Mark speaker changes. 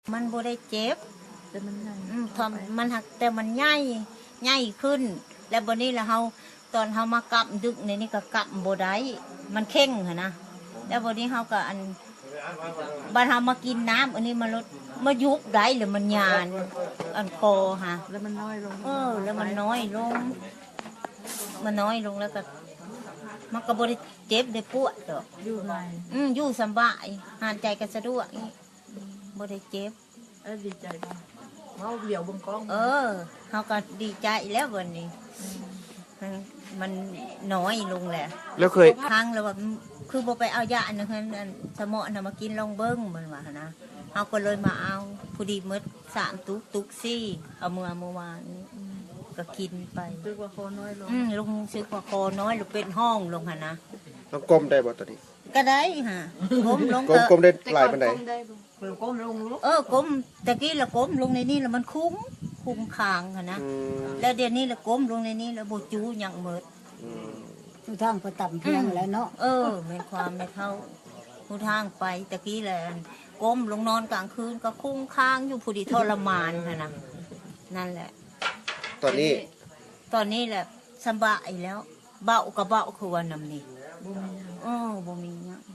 Speaker 1: มันบ่ได้เจ็บ
Speaker 2: แต่มันใหญ่
Speaker 1: ทอมมันหักแต่มันใหญ่ขึ้น แล้วบัดนี้แล้วเฮาตอนเฮามากำดึกในนี่ก็กำบ่ได้มันเข่งหั่นนะแล้วบัดนี้เฮาก็บัดเฮามากินน้ำอันนี้มันลดมายุบได้หรือมันยานอันคอฮะ
Speaker 2: แล้วมันน้อยลง
Speaker 1: แล้วมันน้อยลงมันน้อยลงแล้วก็มันก็บ่ได้เจ็บได้ปวดดอก
Speaker 2: อยู่ไง
Speaker 1: อยู่สบายหายใจก็สะดวกบ่ได้เจ็บ
Speaker 2: ดีใจป่ะเขาเหลียวบนกล้อง
Speaker 1: เขาก็ดีใจแล้ววันนี้มันน้อยลงแหละ
Speaker 3: แล้วเคย
Speaker 1: ครั้งแล้วว่าคือบ่ไปเอายาอันนั้นสมอนะมากินลองเบิ้งมันว่านะเขาก็เลยมาเอาผู้ดีมด3 ตุกซี่เอาเมื่อวานนี้ก็กินไป
Speaker 2: ซึกว่าคอน้อยลง
Speaker 1: ลงซึกว่าคอน้อยลงเป็นห้องลงค่ะนะ
Speaker 3: ต้องก้มได้บ่ตอนนี้
Speaker 1: ก็ได้ฮะก้มลง
Speaker 3: ก้มได้หลายปานใด
Speaker 2: ก้มลงลูก
Speaker 1: ก้มตะกี้เราก้มลงในนี่แล้วมันคุ้มคางค่ะนะแล้วเดี๋ยวนี้เราก้มลงในนี่แล้วโบจูอย่างเมิด
Speaker 4: ผู้ทางก็ต่ำเพียงแล้วเนาะ
Speaker 1: ไม่ความไม่เท่าผู้ทางไปตะกี้แหละก้มลงนอนกลางคืนก็คุ้มคางอยู่ผู้ดีทรมานค่ะนะนั่นแหละ
Speaker 3: ตอน
Speaker 1: นี้แหละสบายแล้วเบาก็เบาคือวันน้ำนี่บ่มีเนี่ย